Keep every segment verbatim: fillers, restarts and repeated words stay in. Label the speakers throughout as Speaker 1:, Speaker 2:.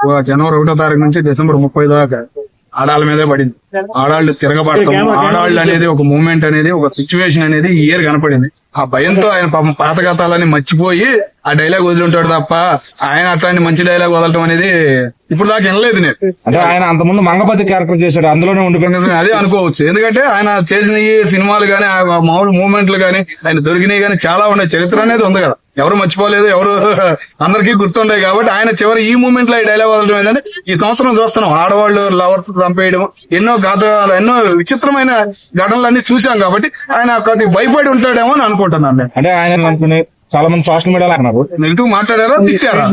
Speaker 1: జనవరి ఒకటో తారీఖు నుంచి డిసెంబర్ ముప్పై దాకా ఆడాళ్ళ మీదే పడింది. ఆడాళ్ళు తిరగబడటం, ఆడాళ్ళు అనేది ఒక మూమెంట్ అనేది, ఒక సిచ్యువేషన్ అనేది ఈ ఇయర్ కనపడింది. ఆ భయంతో ఆయన పాపం పాత గతాలని మర్చిపోయి ఆ డైలాగ్ వదిలింటాడు తప్ప ఆయన అట్లాంటి మంచి డైలాగ్ వదలటం అనేది ఇప్పుడు దాకా వినలేదు నేను.
Speaker 2: అంటే ఆయన అంతకుముందు మంగపతి క్యారెక్టర్ చేశాడు, అందులోనే ఉండిపోయింది
Speaker 1: అదే అనుకోవచ్చు. ఎందుకంటే ఆయన చేసిన ఈ సినిమాలు గానీ, మామూలు మూమెంట్లు గానీ, ఆయన దొరికినాయి గానీ చాలా ఉన్నాయి. చరిత్ర అనేది ఉంది కదా, ఎవరు మర్చిపోలేదు, ఎవరు అందరికీ గుర్తుండే. కాబట్టి ఆయన చివరి ఈ మూమెంట్ లో ఈ డైలాగ్ వదలడం ఏంటంటే ఈ సంవత్సరం చూస్తున్నాం ఆడవాళ్ళు లవర్స్ చంపేయడం, ఎన్నో గాథలు, ఎన్నో విచిత్రమైన ఘటనలన్నీ చూసాం. కాబట్టి ఆయన కొద్దిగా భయపడి ఉంటాడేమో అని అనుకుంటున్నాను నేను.
Speaker 2: అంటే ఆయన అనుకునే చాలా మంది సోషల్ మీడియాలో అన్నారు
Speaker 1: నెగిటివ్ మాట్లాడారా, తిట్టారా?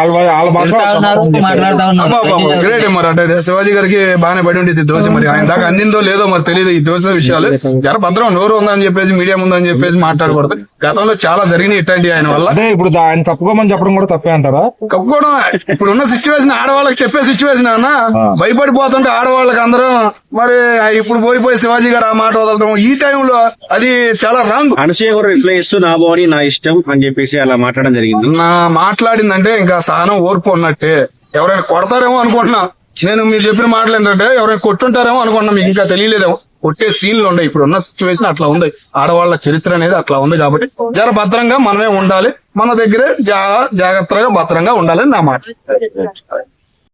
Speaker 1: గ్రేట్ మరి. అంటే శివాజీ గారికి బాగానే పడి ఉండేది దోశ. మరి ఆయన దాకా అందిందో లేదో మరి తెలియదు ఈ దోశ విషయాలు. జర భద్రం నోరు ఉందని చెప్పేసి, మీడియా ఉందని చెప్పేసి మాట్లాడకూడదు. గతంలో చాలా జరిగినాయి ఇట్లాంటి ఆయన వల్ల.
Speaker 2: అంటే ఇప్పుడు ఆయన కప్పుకోమని చెప్పడం కూడా తప్పే అంటారా?
Speaker 1: కప్పుకోవడం ఇప్పుడు ఉన్న సిచ్యువేషన్, ఆడవాళ్ళకి చెప్పే సిచ్యువేషన్ అన్న. భయపడిపోతుంటే ఆడవాళ్ళకి అందరూ మరి ఇప్పుడు పోయిపోయి శివాజీ గారు ఆ మాట వదలటం ఈ టైంలో అది చాలా రాంగ్.
Speaker 3: అనసూయ గారు రిప్లై ఇస్తూ నా బాడీ నా ఇష్టం అని చెప్పేసి అలా మాట్లాడడం జరిగింది.
Speaker 1: నా మాట్లాడిందంటే ఇంకా సహనం ఓర్పు ఉన్నట్టే. ఎవరైనా కొడతారేమో అనుకుంటున్నా. నేను మీరు చెప్పిన మాటలు ఏంటంటే ఎవరైనా కొట్టుంటారేమో అనుకుంటున్నా. మీకు ఇంకా తెలియలేదేమో. కొట్టే సీన్లు ఉన్నాయి. ఇప్పుడు ఉన్న సిచ్యువేషన్ అట్లా ఉంది. ఆడవాళ్ల చరిత్ర అనేది అట్లా ఉంది. కాబట్టి జర భద్రంగా మనమే ఉండాలి. మన దగ్గరే జాగ్రత్తగా భద్రంగా ఉండాలని నా మాట.